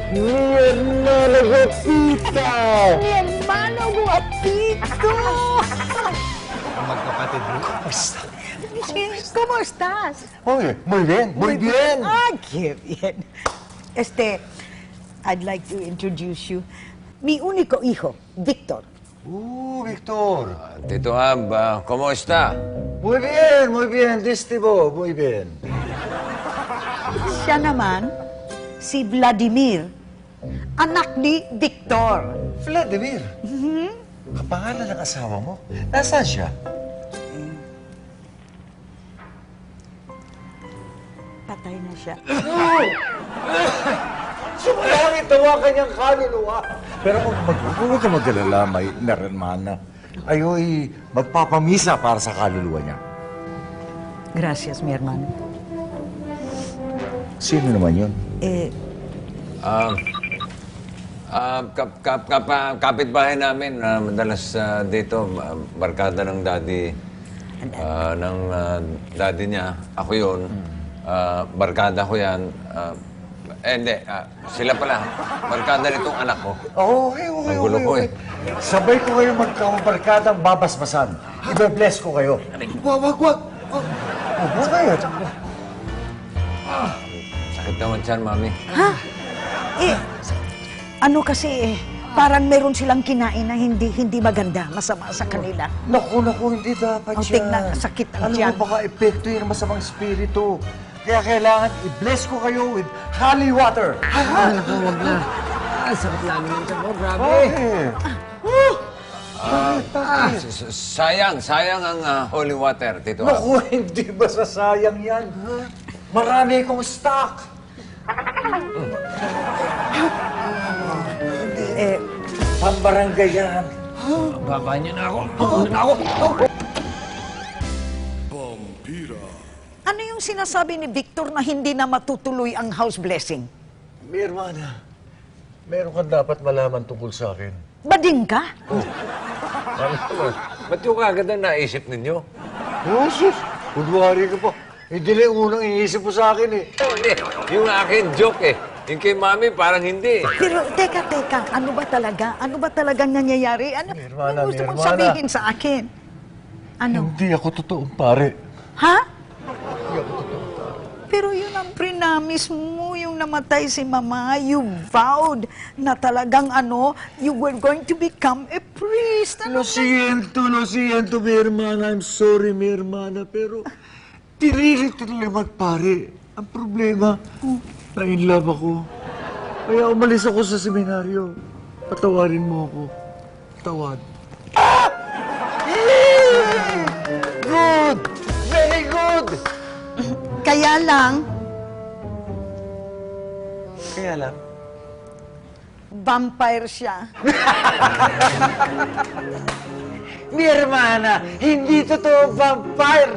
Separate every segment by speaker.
Speaker 1: Mi hermano Guapita!
Speaker 2: Mi hermano guapito!
Speaker 1: Magkapatid mo, kamusta?
Speaker 2: ¿Cómo estás?
Speaker 1: Muy bien, muy bien.
Speaker 2: Ah, qué bien. I'd like to introduce you. Mi único hijo, Víctor.
Speaker 1: Victor.
Speaker 3: Tito Ab, ¿cómo está?
Speaker 1: Muy bien, Distibo, muy bien.
Speaker 2: Siya naman, si Vladimir, anak ni Victor.
Speaker 1: Vladimir. Kapangalan ng asawa mo? Nasaan siya?
Speaker 2: Patay na siya.
Speaker 1: Sumalangit daw ang kanyang kaluluwa. Pero huwag ka mag-alala, may naramana. Ayo'y magpapamisa para sa kaluluwa niya.
Speaker 2: Gracias, mi hermano.
Speaker 1: Sino naman yun?
Speaker 3: Kapitbahay namin, madalas dito, barkada ng daddy niya. Ako yun. Barkada ko yan. Hindi. Sila pala. Barkada nitong anak ko.
Speaker 1: Okay.
Speaker 3: Ang gulo ko eh.
Speaker 1: Sabay ko kayo magkabarkadang babasbasan. Ibe-bless ko kayo. Wag. Huwag kayo.
Speaker 3: Sakit naman siyan, Mami.
Speaker 2: Ha? Ano kasi parang meron silang kinain na hindi maganda, masama sa kanila.
Speaker 1: Naku, hindi dapat
Speaker 2: Ang
Speaker 1: yan.
Speaker 2: tignan, sakit ang
Speaker 1: Alam
Speaker 2: tiyan.
Speaker 1: mo, baka epekto yun ng masamang espiritu. Kaya kailangan i-bless ko kayo with holy water.
Speaker 4: Naku, wag na. Sakit lagi ng tiyan mo, grabe.
Speaker 1: Bakit?
Speaker 3: Sayang ang holy water, Tito Ab.
Speaker 1: Naku, hindi ba sasayang yan? Marami kong stock. Pambarangay yan.
Speaker 4: Baba niyo na ako. Una na ako.
Speaker 2: Ano yung sinasabi ni Victor na hindi na matutuloy ang house blessing?
Speaker 1: Mi hermana, meron kang dapat malaman tungkol sa akin.
Speaker 2: Bading ka?
Speaker 3: Ba't yung kagad ang naisip ninyo?
Speaker 1: Oh, sus! Kunwari ka pa. Hindi na yung unang iniisip mo sa akin eh.
Speaker 3: Hindi. Yung akin, joke eh. Yung kay Mami, parang hindi.
Speaker 2: Pero teka, ano ba talaga? Ano ba talagang nangyayari? Ano,
Speaker 1: Hermana,
Speaker 2: ano gusto mong
Speaker 1: hermana.
Speaker 2: sabihin sa akin? Ano?
Speaker 1: Hindi ako totoong pare.
Speaker 2: Ha? Pero yun ang prinamis mo, yung namatay si Mama. You vowed na talagang you were going to become a priest.
Speaker 1: Lo siento, mi hermana. I'm sorry, mi hermana. Pero tinilit talaga magpare. Ang problema, na-inlove ako. Kaya umalis ako sa seminaryo. Patawarin mo ako. Tawad. Good! Very good!
Speaker 2: Kaya lang, vampire siya.
Speaker 1: Mi hermana, hindi totoo vampire!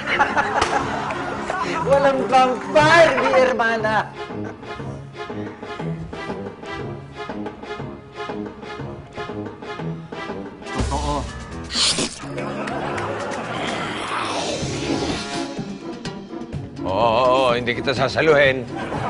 Speaker 1: Walang vampire, mi hermana! Totoo.
Speaker 3: Oo, hindi kita sasaluhin.